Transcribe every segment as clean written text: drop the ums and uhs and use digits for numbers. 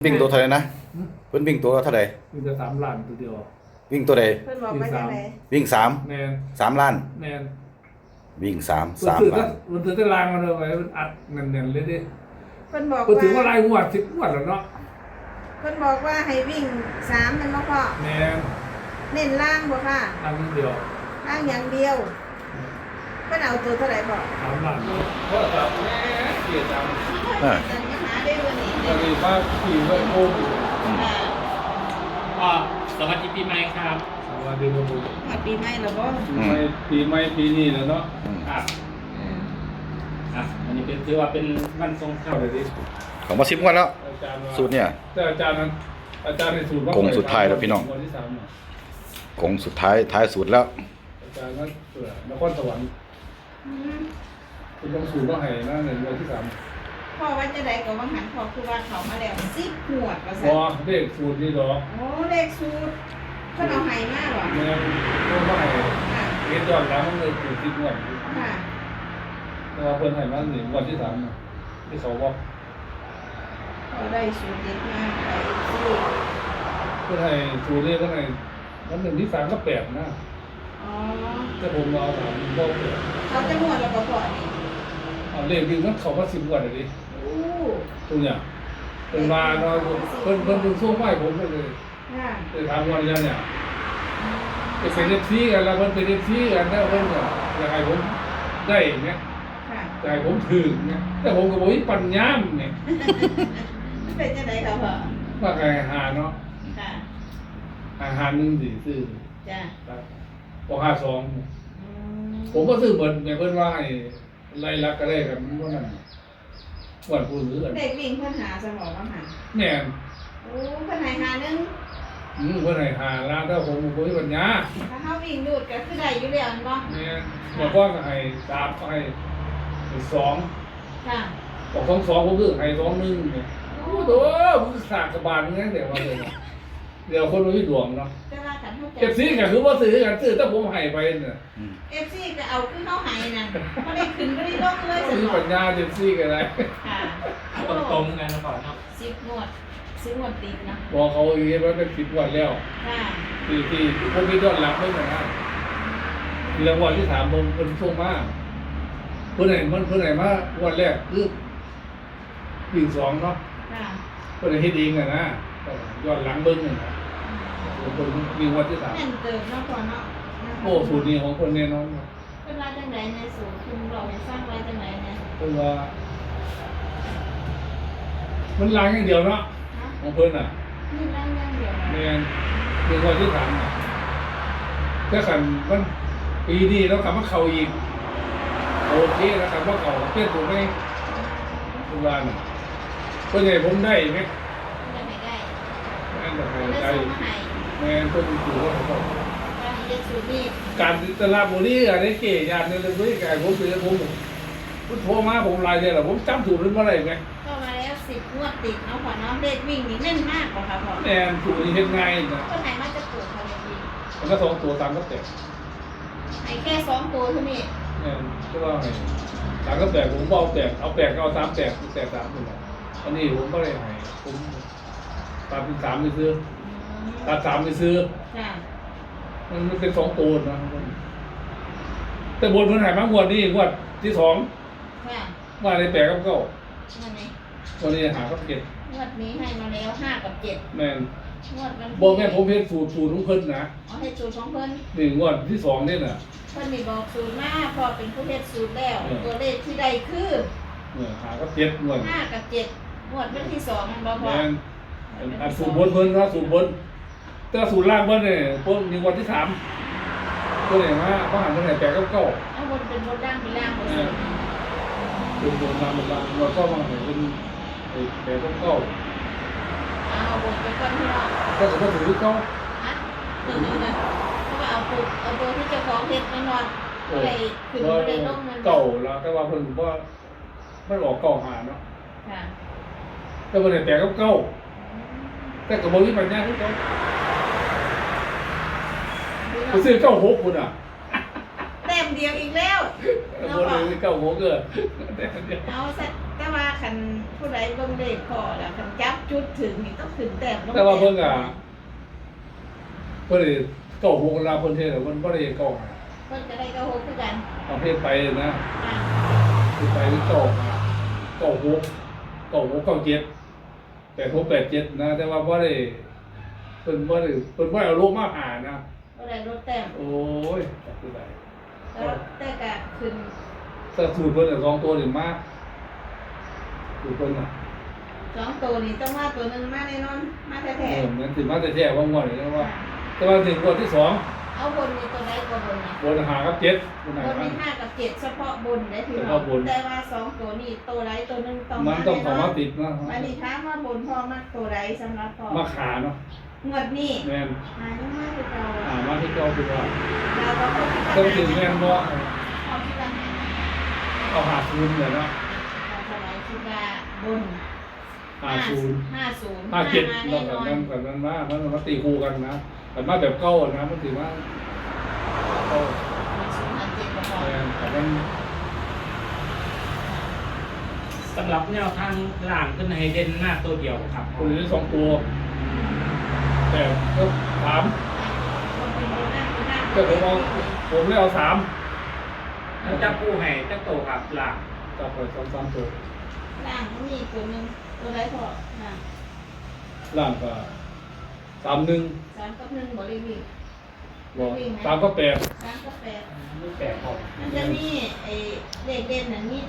วิ่งตัวเท่าไหร่นะเพิ่นวิ่งตัวเท่าไหร่มีแต่3 ล้านตัวเดียววิ่งตัวใดเพิ่นบอกว่าจังได๋วิ่งสามแมนล้านแมนวิ่งสามมันล้านถือตารางมาเลยไว้มันอัดเน่นๆเลยดิเพิ่นบอกก็ถือว่าว่ารายงวด10 งวดแล้วเนาะเพิ่นบอกว่าให้วิ่ง3แม่นบ่พ่อแมนเน้นล่างบ่ค่ะอันเดียวล่างอย่างเดียวเพิ่นเอาตัวเท่าไหร่บอก 3 ล้านเพราะแบบแม่เกลียดจังจังหาได้วันนี้ตอนนี้ว่าขี่ไว้โอ้ยสวัสดีปีใหม่ครับสวัสดีครับผมหมดปีใหม่แล้วบ่ปีนี้แล้วเนาะครับอันนี้เป็นถือว่าเป็นวันทรงเข้าเข้าเลยดิของมา10 งวดแล้วอาจารย์ว่าสูตรเนี่ยแต่อาจารย์นั้นอาจารย์ในสูตรโค้งสุดท้ายแล้วพี่น้องวันที่3น่ะคงสุดท้ายสุดแล้วอาจารย์นั้นเปิดนครสวรรค์คุณต้องสูตรว่าให้นะในวันที่3 พ่อว่าจะได้ก็ว่าหันพ่อคือว่าเขามาแล้ว10หวดว่าบซั่อน เลขสูตรนี่ดอกโอ้เลขสูตรเพิ่นเอาให้มาบ่แม่ต้องว่าให้ค่ะเฮ็ดย้อนหลังมันเลยสูตรที่งวดค่ะแต่ว่าเพิ่นให้มานี่วันที่3น่ะที่เขาบอกเขาได้สูตรเด็ดมากไปซื้อเพิ่นให้สูตรเลขก็ให้วัน1ที่3ก็8นะอ๋อแต่ผมเอา3บ่8 เขาจะหมดแล้วก็พอนี่เอาเลขวิ่งมันเข้ามา10งวดเลยดิโอ้ตรงเนี้ยเพิ่นมาเนาะเพิ่นถึงส่งไว้ผมก็เลยค่ะไปถามว่าอย่างเนี่ยไปเป็น FC กันแล้วเพิ่นเป็น FC กันแล้วเพิ่นก็อยากให้ผมได้เนี่ยค่ะอยากให้ผมถึงเนี่ยแต่ผมก็บ่มีปัญญาเนี่ยมันเป็นจังไดครับพ่อว่าไงหาเนาะค่ะหา1สิซื้อจ้ะครับบ่52 อืมผมก็ซื้อเบิดแม่เพิ่นว่าให้ไล่ลักก็ได้กันว่านั่นว่าผู้ซื้อกันเด็กวิ่งเพิ่นหาสมองว่าหาแม่นโอ้เพิ่นให้หาหนึงเพิ่นให้หาล้านถ้าผมบ่มีปัญญาถ้าเฮาวิ่งดูดก็คือได้อยู่แล้วแม่นบ่แม่นบ่ก็ให้3ก็ให้2 ค่ะบอก2ผมซื้อให้2 1เนี่ยโอ้โหมึงสร้างกระบาลงั้นเดี๋ยวว่าเลยเนาะเดี๋ยวคนบ่มีดวงเนาะแต่ว่าคันเฮาเก็บซื้อก็คือบ่ซื้อกันซื้อถ้าผมให้ไปน่ะ FC ก็เอาคือเฮาให้นั่นบ่ได้ขึ้นบ่ได้ลงเลยสมีมอปังญญาเจ็บซี่ก็ได้ค่ะตรงๆกันก่อนเนาะ 10งวด10งวดติดเนาะบอกเขาอีกว่าเป็น10วันแล้วค่ะที่ผมมียอดหลักเบิ่งนะรางวัลที่3ผมเพิ่นส่งมาเพิ่นให้มาวันแรกคือวิ่ง2เนาะค่ะเพิ่นให้เฮ็ดเองน่ะนะยอดหลังเบิ่งนั่นน่ะเพิ่นวิ่งวันที่แม่นเติมเนาะพ่อเนาะ 3โอ้สูตรนี้ของเพิ่นแน่นอนครับเพิ่นว่าจังไดในสูตรคุณเราให้สร้างไว้จังไดเนี่ยเพิ่นว่ามันหลังอย่างเดียวเนาะฮะของเพิ่นน่ะนี่นั่งอย่างเดียวแม่นวิ่งวันที่3น่ะแต่คันมันปีนี้แล้วกลับมาเข้าอีกโอเคแล้วกลับมาเข้าเปลี่ยนตัวไหมเพิ่นว่าน่ะเพิ่นให้ผมได้ไหมได้ไม่ได้แม่นบ่ให้ได้ได้ส่งมาให้แม่นเพิ่นถือว่าเขาบอกว่าให้เฮ็ดสูตรนี้การตลาดบุรีอะไรเก๋ยานเนี่ยเลยไก่ผมเป็นผมโทรมาผมไลน์เนี่ยแหละผมจำสูตรนั้นมาได้ไหมก็มาแล้ว10งวดติดเนาะพ่อเนาะเลขวิ่งนี่แม่นมากกว่าค่ะพ่อแม่นสูตรนี้เฮ็ดง่ายนะคนไหนมาจะปลูกเขาเลขวิ่งมันก็2ตัว3ก็แตกให้แค่2ตัวเท่านี้แม่นก็ว่าให้3ก็แตกผมเอาแตกเอาแตกเอา3แตกแตก3นี่แหละอันนี้ผมก็ได้ให้ผมตัดเป็น3ไปซื้อตัด3ไปซื้อค่ะมันเป็น2ตัวนะแต่บนเพิ่นให้มางวดนี้งวดที่2 ค่ะว่าได้8กับ9 นั่นไงวันนี้หากับ7 งวดนี้ให้มาแล้ว5กับ7 แม่นงวดวันบอกแม่ผมเฮ็ดสูตรของเพิ่นนะเอาให้สูตรของเพิ่นนี่งวดที่2นี่น่ะเพิ่นนี่บอกสูตรมาพอเป็นผู้เฮ็ดสูตรแล้ว ตัวเลขที่ได้คือหากับเจ็ดงวด 5กับ7งวดวันที่2มันบ่พอแม่นอันสูตรบนเพิ่นนะสูตรบนแต่สูตรล่างเพิ่นนี่เพิ่นมีงวดที่3เพิ่นให้มาบ่หันเพิ่นให้8กับ9 เอาบนเป็นบนล่างเป็นล่างบ่เอสูอตรเป็นบนล่างเป็นล่างงวดก็มาให้เป็น8กับ9 เอาบนไปก่อนพี่น้องก็จะถูกที่เก้าฮะเพราะว่าเอาตัวที่เจ้าของเฮ็ดแน่นอนก็เลยขึ้นบ่ได้ลงมันเก่าแล้วแต่ว่าเพิ่นว่ามันออกเก่าหาเนาะค่ะแต่เพิ่นให้8กับ9แต่ก็บ่มีปัญญาคือเก่าไปซื้อ96พุ่นอ่ะแต่บเดียวอีกแล้วบนเลยเก้าหัวเกิดแต่เดียวเอาซะแต่ว่าคันผู้ใดเบิ่งเลขพอแล้วคันจับจุดถึงนี่ต้องถึงแต้มลงแต่ว่าเพิ่งอ่ะเพิ่นได้เก้าหัวเวลาเพิ่นเทศน์เพิ่นบ่ได้เก้าหาเพิ่นก็ได้ก็โหคือกันเอาเพศไปนะอ่ะเพศไปเก้าหาเก้าหัวเก้าหัวเก้าเจ็ด8 6 8 7นะแต่ว่าบ่ได้เพิ่นบ่เอาลงมาหานะบ่ได้ลดแต้มโอ้ยจับคือได้แล้วแต่ก็ขึ้นถ้าสูตรเพิ่นน่ะ2ตัวนี่มากสูตรเพิ่นน่ะสองตัวนี่ต้องมาตัวหนึงมาแน่นอนมาแท้นั่นสิมาแต่แท้ว่างวดนี่ว่าๆแต่ว่าถึงงวดที่สองเอาบนมีตัวใดก็บนนะบนหากับเจ็ดบนไหนบนมัมีน 5กับ7เฉพาะบนได้พี่เฉน้อพาะงบนแต่ว่าสองตัวนี้ตัวใดตัวหนึงต้องมันต้องเข้ามาติดนะวันนี้ถามว่าบนพ่อมากตัวใดสำหรับพ่อมาขาเนาะงวดนี้แม่นหายังมากคือเรามาที่เก่าคือว่าเราก็ต้องคิดต้องว่าถึงแม่นบ่เอาคิดว่าเอาหาศูนย์เลยเนาะเราเท่าไหร่คิดว่าบนหาศูนย์ 50 ห้าเจ็ดมาเราแน่นแบบอนนั้นแบบนั้นมาตีคู่กันนะแต่มาแบบเก่านะมันถือว่าเก่า 50 ก็พอแม่นแต่มันสำหรับแนวทางล่างขึ้นให้เด่นหน้าตัวเดียวครับคนนี้สองตัวแต่ก็ถามคนเป็นบนหน้าบนหน้าก็ผมเลยเอาสามแล้วจะกู้ให้จะโตครับล่างจับไปสามตัวล่างมันมีตัวหนึงตัวใดพอล่างล่างก็31 3กับ1บ่ได้วิ่งบอก3ก็8 3กับ8 ไม่แปลกครับมันจะมีไอ้เลขเด่นอันนี้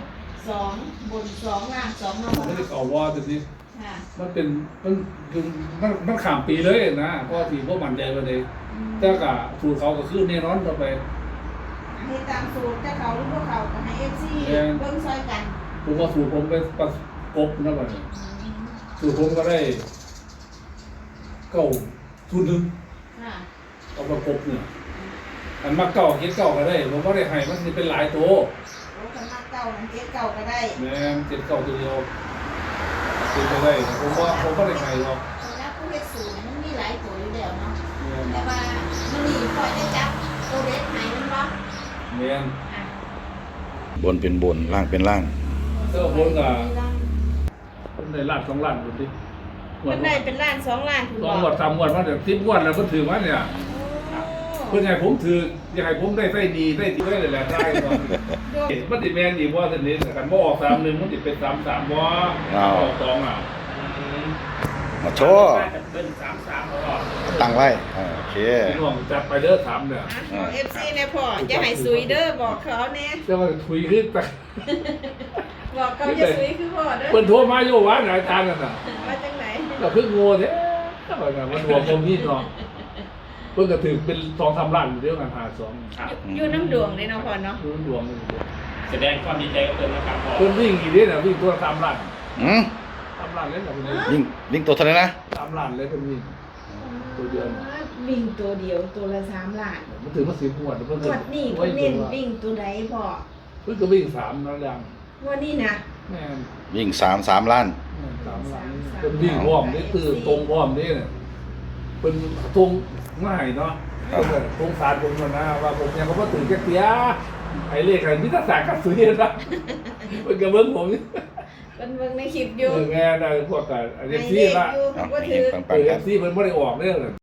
2บน2ล่าง2มาหไม่ได้กเก่าว่าแต่นี้ค่ะมันเป็นมันคือมันข้ามปีเลยนะเพราะที่พวกมันใจไปเลยแต่ก็สูตรเขาก็คือแน่นอนต่อไปให้ตามสูตรถ้าเขาหรือพวกเขาก็ให้ FC เบิ่งซอยกันผมว่าสูตรผมไปประกบนะบัดนี้สูตรผมก็ได้เก้าสูตรหนึ่งค่ะเอาประกบเนี่ยอันมาเก้าเก็ดเก้าก็ได้ผมก็ได้ให้มันเป็นหลายตัวโอ้คันมาเก่านั้นเจ็ดเก่าก็ได้แม่นเจ็ดเก้าตัวเดียวเป็นไปได้ผมก็ได้ให้หรอกสำหรับผู้เฮ็ดสูตรมันมีหลายตัวอยู่แล้วเนาะแม่นแต่ว่ามันนี่พอจะจับตัวเล็กไหนมันบ่แม่นอ่ะบนเป็นบนล่างเป็นล่างเออบนก็ผมได้ล้าน2ล้านดูดิมันได้เป็นล้าน2ล้านคุณสบองอกงวด3งวดมาเดี๋ยว10งวดแล้วเพิ่นถือมาเนี่ย เพื่อนให้ผมถืออยากให้ผมได้ไส้ดีไส้ที่ได้เลยแหละได้ก่อนมันติแมนอีกว่าสนิทกันบ่ออก31มันติเป็น33บ่ออก2อ่ะมาโชว์น่าจะเป็น33ตลอดตั้งไว้โอเคพี่น้องจัดไปเด้อ3เนี่ยเอา FC เนี่ยพ่อจะให้ซุยเด้อบอกเขาแน่จะมาถุยขึ้นไปบอกเขาจะซุยคือพ่อเด้อเพิ่นโทรมาอยู่ว่าอาจารย์นั่นน่ะว่าจังไหนก็เพิ่งโง่แท้ก็แบบมันรวมผมนี่เนาะเพิ่นก็ถือเป็น2-3ล้านอยู่เดียวกัน52 ครับอยู่น้ำดวงเลยเนาะพ่อเนาะรวมกันแสดงความดีใจกับเพิ่นนะครับพ่อเพิ่นวิ่งอีกเด้อน่ะวิ่งตัว3ล้านอืม 3ล้านเลยน่ะเพิ่นวิ่งตัวเท่าไหร่นะ 3ล้านเลยเพิ่นวิ่ง ตัวเดียววิ่งตัวเดียวตัวละ3ล้านมันถือมา10งวดเพิ่นงวดนี้เพิ่นเน้นวิ่งตัวใดพ่อเพิ่นก็วิ่ง3นั่นอย่างงวดนี้นะแม่นวิ่ง3 ล้าน 3ล้านเป็นวิ่งพร้อมนี่คือตรงพร้อมนี่เนี่ยเป็นตรงง่ายเนาะตรงสารผมนะว่าผมยังก็บ่ตื่นจักเสียไอ้เลขไอ้มิตรศาสตร์กับสุริยนะเป็นกระเบื้องผมนี่เพิ่นเบิ่งในคลิปอยู่แม่ได้พวกกันอันให้นี้เลที่ขละอยู่เอาบ่เฮถืงอๆปังๆครับที่เพิ่นบ่ได้ออกเด้อ